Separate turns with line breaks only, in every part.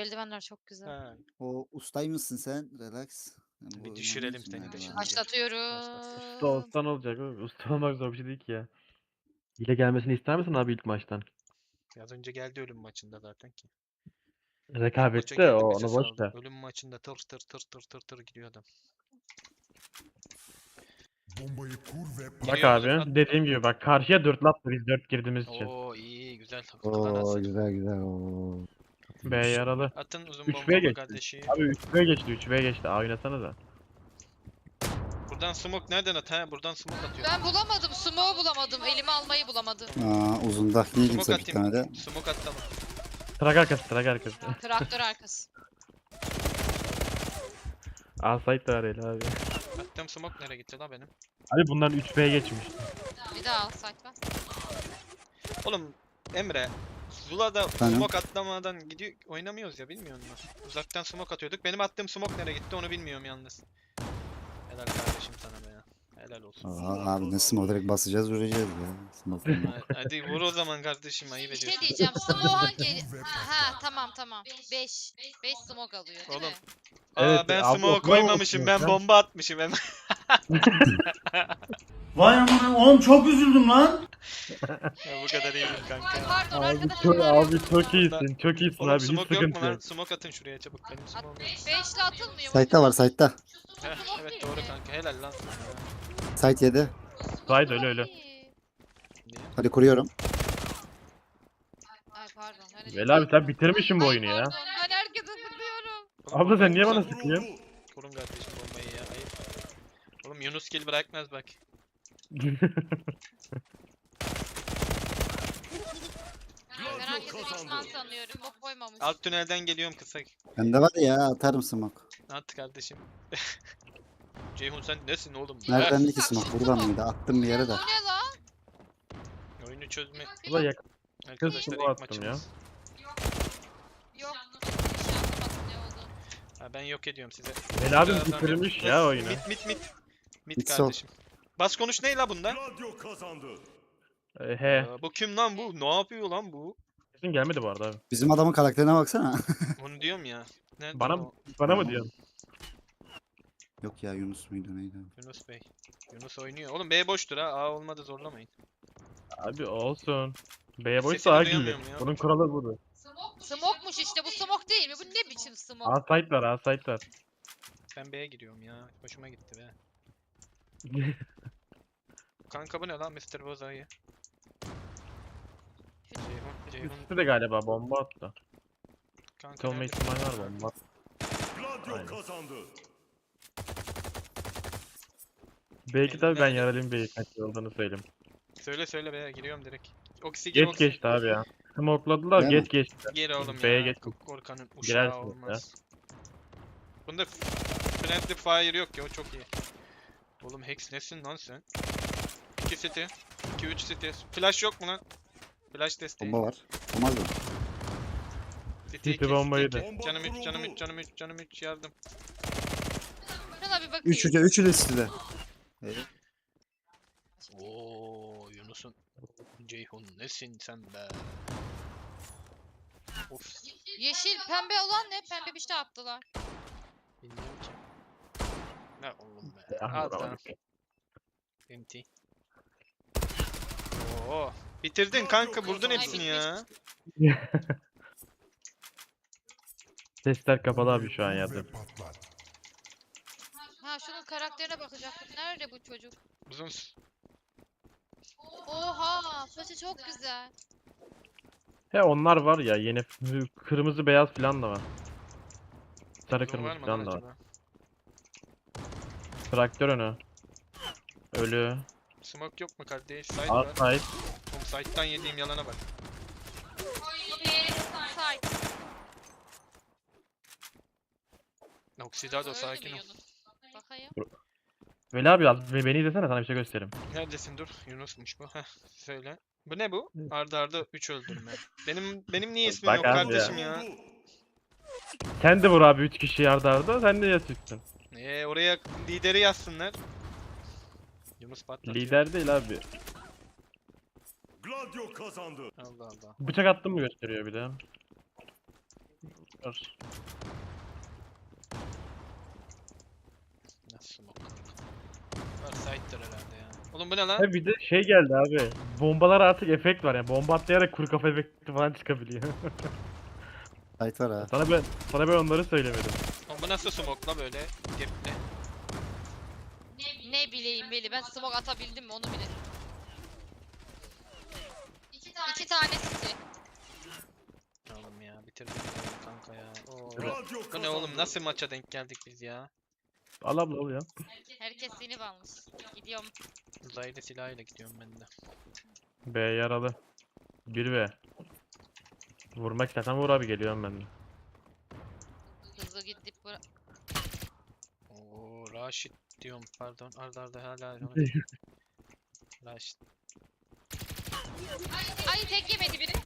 eldivenler çok güzel.
Ha,
O ustay mısın sen? Relax. Yani
bir
bu
düşürelim
inanıyorsun
seni de
galiba.
şimdi.
Başlatıyorum.
Usta olsan olacak oğlum. Usta olmak zor bir şey değil ki ya. Hile gelmesini ister misin abi ilk maçtan?
Az önce geldi ölüm maçında zaten ki. Maça
Rekabette
geldi
o
bize
onu boş
saldı.
ver.
Ölüm maçında tır tır tır tır tır tır gidiyor adam.
Bombayı kur ve
Bak
Giriyor musun?
abi
At.
dediğim gibi bak karşıya 4 laf biz 4 girdiğimiz için.
Oo iyi güzel.
Oo
Klan
güzel güzel. Oo.
B yaralı.
Atın uzun
3B
bombamı
geçti.
kardeşi.
Abi 3B geçti 3B geçti. A oynasana da.
Buradan smoke nereden at ha? Buradan smoke atıyor.
Ben bulamadım. Smoke'u bulamadım. Elime almayı bulamadım.
Uzunda niye
Smoke
kimse piklemedi?
atayım. Smoke at tamam.
Trak arkası trak arkası.
Traktör arkası.
A site de arayla abi.
Attığım smoke nereye gitti la benim?
Abi bunların 3B geçmiş.
Bir daha al site var.
Oğlum Emre. Zula'da
Efendim?
smoke atlamadan gidiyor oynamıyoruz ya bilmiyor musun? Uzaktan smoke atıyorduk. Benim attığım smoke nereye gitti onu bilmiyorum yalnız. Helal kardeşim sana be ya. Helal olsun.
Aa, abi ne smoke direkt basacağız vuracağız ya. Smoke.
Hadi vur o zaman kardeşim ayıp
Bir şey
ediyorsun.
diyeceğim. Smoke hangi? Ha tamam. 5. 5 smoke alıyor değil
Oğlum.
mi?
Aa ben
abi
smoke
okula mı
koymamışım ben
okuyorsun
bomba atmışım hemen.
Vay amına oğlum çok üzüldüm lan.
Ya bu kadar iyi değil
Ay
kanka.
pardon
Abi
arkadaşlar.
çok,
var
abi çok iyisin çok iyisin
Oğlum
abi hiç
smoke yok mu
sıkıntı
lan?
yok.
Smoke atın şuraya çabuk benim smoke'um yok.
5'le atılmıyor.
Site'da var site'da.
Heh, evet doğru kanka helal lan sana ya.
Site 7.
Site öyle öyle.
Niye?
Hadi kuruyorum.
Ay pardon. Hani
Veli abi sen bitirmişsin bu oyunu ya.
Pardon ben herkese sıkıyorum.
Oğlum
Abla sen
bombayı
niye bana
kurun.
sıkıyorsun?
Kurun kardeşim bombayı ya ayıp. Oğlum Yunus kill bırakmaz bak.
Ben herkese düşman sanıyorum. Bok koymamış.
Alt tünelden geliyorum kısa.
Bende var ya atarım smoke.
At kardeşim. Ceyhun sen nesin oğlum?
Nereden ki smoke? Buradan mıydı? Attım bir yere de.
Bu ne lan?
Oyunu çözme.
Ulan yakın
Arkadaşlar
smoke
ilk
attım ya.
maçımız.
Yok. Bir şey anlamadım ne oldu.
Ha, ben yok ediyorum size.
Veli abi
Birazdan
bitirmiş
yok.
ya oyunu.
Mit
Mid sol.
kardeşim. Bas konuş ne la bunda?
Radyo kazandı.
He.
Aa, bu kim lan bu? Ne yapıyor lan bu?
Kesin gelmedi bu arada abi.
Bizim adamın karakterine baksana.
Onu diyorum ya. Nerede
Bana
o?
bana mı diyorsun?
Yok ya Yunus muydu neydi?
Yunus Bey. Yunus oynuyor. Oğlum B boştur ha. A olmadı zorlamayın.
Abi olsun. B'ye boşsa
Sesini
A gelir.
duyamıyorum ya.
Bunun kuralı budur.
Smoke'muş işte bu smoke değil mi? Bu ne biçim smoke?
A site var A site var.
Ben B'ye giriyorum ya. Hoşuma gitti be. Kanka bu ne lan Mr. Bozayı? Ceyhun.
Üstü de galiba bomba attı.
Kanka
Olma
nerede?
ihtimali var bomba.
Radyo
Aynen.
kazandı.
Belki tabii ben
Nerede?
yaralıyım B'yi kaç olduğunu söyleyeyim.
Söyle be giriyorum direkt. Oksi gir
Geç
Oksi.
geçti abi ya. Smokladılar
Değil mi?
geç geçti.
Gir oğlum
B'ye
ya.
geç.
Korkanın uşağı
Girersiniz ya.
olmaz. Bunda friendly fire yok ya o çok iyi. Oğlum Hex nesin lan sen? 2 city. 2-3 city. Flash yok mu lan? Flash desteği.
Bomba var. Olmaz mı?
City
City bombayı da.
Canım 3 canım 3 yardım.
Şuna bir bakayım.
Üçü de City'de.
Oo Yunus'un Ceyhun nesin sen be? Of
Yeşil pembe olan ne? Pembe bir şey attılar.
bilmiyorum ki. Ne oğlum be.
Ya,
Al
bravo.
tamam. MT. Oo bitirdin kanka vurdun hepsini ya.
Sesler kapalı abi şu an
Bombayı
yazdım.
kur ve patlat.
Ha şunun karakterine bakacaktık. Nerede bu çocuk?
Uzun
Oha saçı çok güzel.
He onlar var ya yeni kırmızı beyaz falan da var. Sarı
uzun var
kırmızı
mı
falan
lan
da var.
acaba?
Traktör önü. Ölü.
Smoke yok mu kardeş? Side
A
var.
site.
Oğlum side'dan yediğim yalana bak.
Site.
Oxidado
Öldü
sakin
mü
ol.
Yunus? Bakayım.
Veli abi az beni izlesene sana bir şey göstereyim.
Neredesin dur? Yunus'muş bu. Heh söyle. Bu ne bu? Arda arda 3 öldürme. Benim niye ismim
Bak
yok
abi
kardeşim ya?
Sen de vur abi 3 kişi yardı arda sen de yatıyorsun.
Oraya lideri yazsınlar. Yunus patlatıyor.
Lider değil abi.
Gladio kazandı.
Allah Allah.
Bıçak attım mı gösteriyor bir de. Var.
Nasıl smoke kanka? Var side'dır herhalde ya. Oğlum bu ne lan?
Ha bir de şey geldi abi. Bombalar artık efekt var yani. Bomba atlayarak kuru kafa efekti falan çıkabiliyor.
Sait var ha.
sana ben onları söylemedim.
Oğlum bu nasıl smoke la böyle? Gepli.
Ne bileyim Veli, ben smoke atabildim mi onu bile. İki tane city.
Oğlum ya bitirdim oyunu kanka ya. Oo.
Gladio
Bu ne oğlum,
kazandı.
nasıl maça denk geldik biz ya?
Al abla al ya.
Herkes sinip almış. Gidiyorum.
Uzaylı silahıyla gidiyorum ben de.
B yaralı. 1V. Vurmak istersen vur abi, geliyorum ben de.
Hızlı gidip bura...
Oo Raşit diyorum pardon, arda hala Raşit.
Ay tek yemedi biri.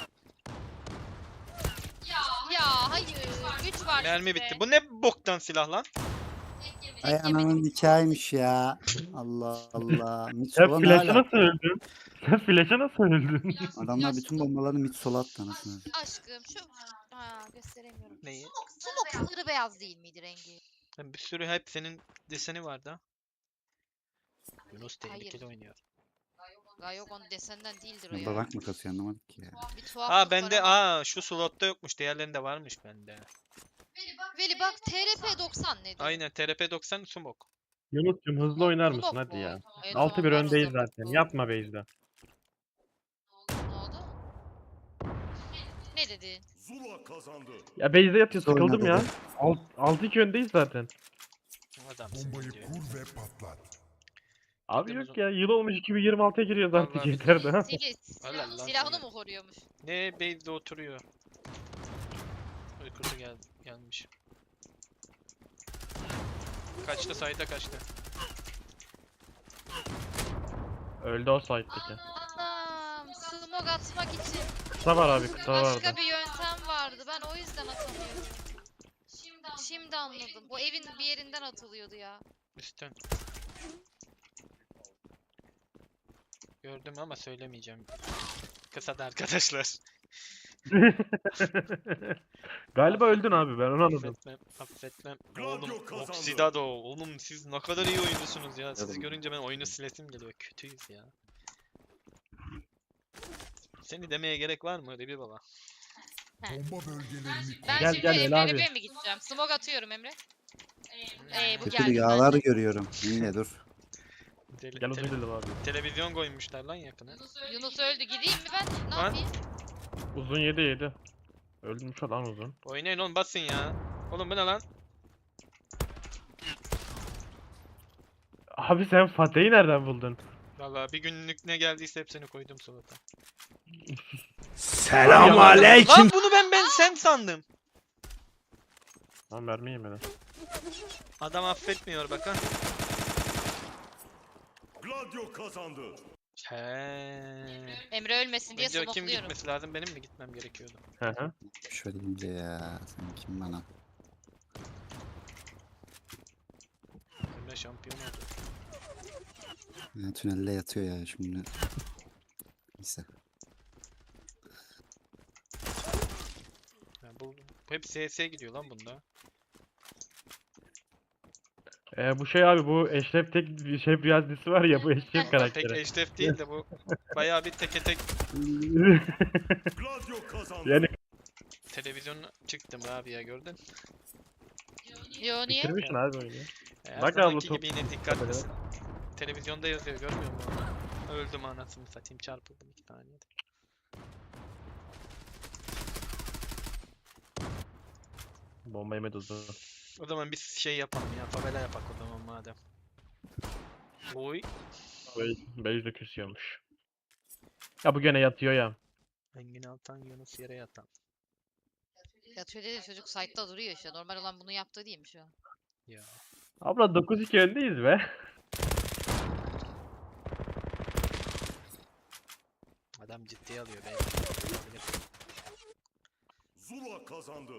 Ya hayır. 3 var
Mermi
sizde.
bitti. Bu ne boktan silah lan?
Tek
Ay
yemedim.
ananın hikayeymiş ya. Allah Allah. Mid
Sen
sola ne
flash'a
hala?
nasıl öldün? Sen flash'a nasıl öldün?
Adamlar bütün bombalarını mid sola attı anasını.
Aşkım şu... Ha gösteremiyorum.
Neyi?
Smoke sarı beyaz değil miydi rengi?
Bir sürü hep senin deseni vardı ha. Yunus tehlikeli oynuyor.
Yok onun desenden değildir o
Ya
ya.
babak mı kasıyor anlamadık ki ya.
Bir tuhaflık
Aa
var
bende
ama.
şu slotta yokmuş. Diğerlerinde varmış bende.
Veli bak TRP 90 nedir?
Aynen TRP 90 smoke.
Yunus'cum hızlı oynar mısın
Smoke
hadi
mu?
ya.
Evet,
6-1
tamam, var o
öndeyiz
zaman.
zaten.
Bu-
Yapma base'de.
Ne oldu? Ne dedin?
Zula kazandı.
Ya base'de yatıyor,
Oyna
sıkıldım ya.
dedi.
6-2 öndeyiz zaten.
Adamsın
Bombayı
diyor.
kur ve patlat.
Abi
Gidemez
yok ya, yıl olmuş 2026'ya giriyoruz artık,
Vallahi
yeter daha.
Sili
Allah Allah
silahını
seni.
mı koruyormuş?
Ne base'de oturuyor. Uykusu gelmiş. Kaçtı sayda kaçtı.
Öldü o site'deki.
Anam smoke atmak için
Kısa var abi, kısa vardı.
başka bir yöntem vardı. Ben o yüzden atamıyorum. Şimdi anladım. O evin bir yerinden atılıyordu ya.
Üstten. Gördüm ama söylemeyeceğim. Kısada arkadaşlar.
Galiba öldün abi, ben onu anladım.
Affetmem.
Gladio
Oğlum
kazandı.
Oxidado. Oğlum siz ne kadar iyi oyuncusunuz ya. Sizi
Tabii.
görünce ben oyunu silesim geliyor. Kötüyüz ya. Seni demeye gerek var mı Rebi baba?
Bomba bölgelerini
Ben
Gel,
şimdi
gel, Veli abi.
Emre'ye mi gideceğim? Smoke atıyorum Emre. Bu
Kötü
geldi
rüyalar
bende.
görüyorum. Yine dur.
Gel uzun dedim abi.
Televizyon koymuşlar lan yakına.
Yunus öldü. Gideyim mi ben? Ne
Lan.
yapayım?
Uzun 7. Öldürmüş lan uzun.
Oynayın oğlum basın ya. Oğlum bu ne lan?
Abi sen Fatih'i nereden buldun?
Vallahi bir günlük ne geldiyse hepsini koydum salata.
Selamünaleyküm.
Lan bunu ben sen sandım.
Lan mermi yemedi.
Adam affetmiyor bak ha.
Gladio kazandı.
He.
Emre ölmesin diye
Bence kim
smokluyorum.
gitmesi lazım? Benim mi gitmem gerekiyordu?
Hı hı.
Şöyle deyince ya. Sen kim bana?
Emre şampiyon oldu.
Ya, tünelde yatıyor ya şimdi. Neyse.
Ya bu hep CS gidiyor lan bunda.
Bu şey abi, bu Eşref Tek bir şey biraz dizisi var ya, bu Eşref
Pek
karakteri.
eşref değil de bu bayağı bir teke tek
Gladio kazandı.
Yani
televizyona çıktım abi ya gördün.
Yo niye?
bitirmişsin abi oyunu.
Her
Bak abla,
zamanki
top-
gibi yine dikkatlisin. Televizyonda yazıyor görmüyor musun? Öldüm anasını satayım, çarpıldım 2 saniyede.
Bomba yemedi uzun.
O zaman biz şey yapalım ya, favela yapak o zaman madem. Oy.
Base de küsüyormuş. Ya bu gene yatıyor ya.
Engin Altan, Yunus yere yatan.
Yatıyor dedi çocuk site'da duruyor işte. Normal olan bunu yaptığı değil mi şu an?
Ya.
Abla 9-2 öndeyiz be.
Adam ciddiye alıyor belki. Olabilir.
Zula kazandı.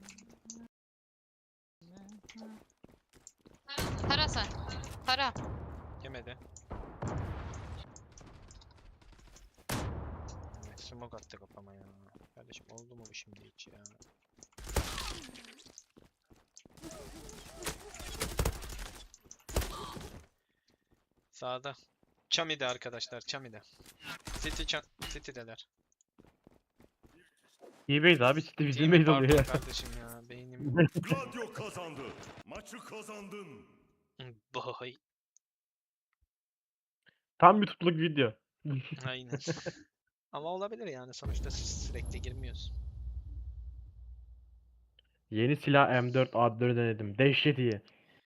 Tara sen. Tara.
Yemedi. Smoke attı kafama ya. Kardeşim oldu mu bu şimdi hiç ya? Sağda. Chami'de arkadaşlar, Chami'de. City'deler.
İyi base abi, City bizim
Team'i
base oluyor
pardon
ya.
kardeşim ya, beynim.
Gladio kazandı. Maçı kazandın.
Boy.
Tam bir tutluk video.
Aynen. Ama olabilir yani, sonuçta sürekli girmiyoruz.
Yeni silah M4 A4 denedim. Dehşet iyi.